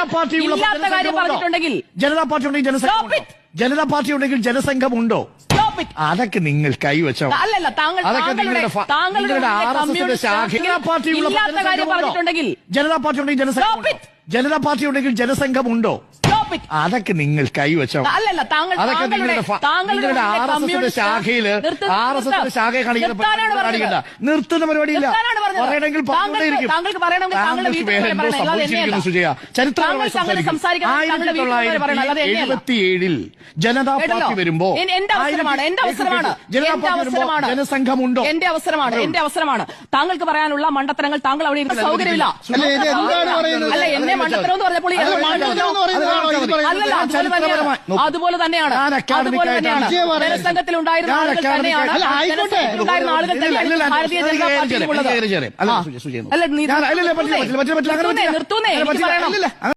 ഇല്ലാത്ത കാര്യം പറഞ്ഞിട്ടുണ്ടെങ്കിൽ ജനതാ പാർട്ടി ഉണ്ടെങ്കിൽ ജനതാ പാർട്ടി ഉണ്ടെങ്കിൽ ജനസംഘമുണ്ടോ? അതൊക്കെ നിങ്ങൾ കൈവച്ചോ? അല്ലല്ല, താങ്കളുടെ ആർഎസ്എസിന്റെ ശാഖയുള്ള ഇല്ലാത്ത കാര്യം പറഞ്ഞിട്ടുണ്ടെങ്കിൽ ജനതാ പാർട്ടി ഉണ്ടെങ്കിൽ ജനതാ പാർട്ടി ഉണ്ടെങ്കിൽ ജനസംഘമുണ്ടോ? അതൊക്കെ നിങ്ങൾ കൈവച്ചോ? അല്ലല്ല, അതൊക്കെ നിങ്ങളുടെ ആർഎസ്എസിന്റെ ശാഖയെ കാണിക്കേണ്ട നിർത്തുന്ന പരിപാടിയില്ല. പറയണമെങ്കിൽ സംഭവിച്ചിരിക്കുന്നു സുജയ. ചരിത്രപരമായി 1977 ജനതാ പാർട്ടി വരുമ്പോ ജനസംഘമുണ്ടോ? എന്റെ അവസരമാണ്. താങ്കൾക്ക് പറയാനുള്ള മണ്ടത്തരങ്ങൾ താങ്കൾ അവിടെ ഇരുന്ന് സൗകര്യമില്ല. അല്ല, എന്നെ മണ്ടത്തരം എന്ന് പറഞ്ഞപ്പോൾ അതുപോലെ തന്നെയാണ് ജനസംഘത്തിൽ ഉണ്ടായിരുന്ന ആളുകൾ തന്നെയാണ് ഭാരതീയ ജനതാ പാർട്ടിയിലുള്ളത്. നിർത്തൂന്നേ, എനിക്ക് പറയണം.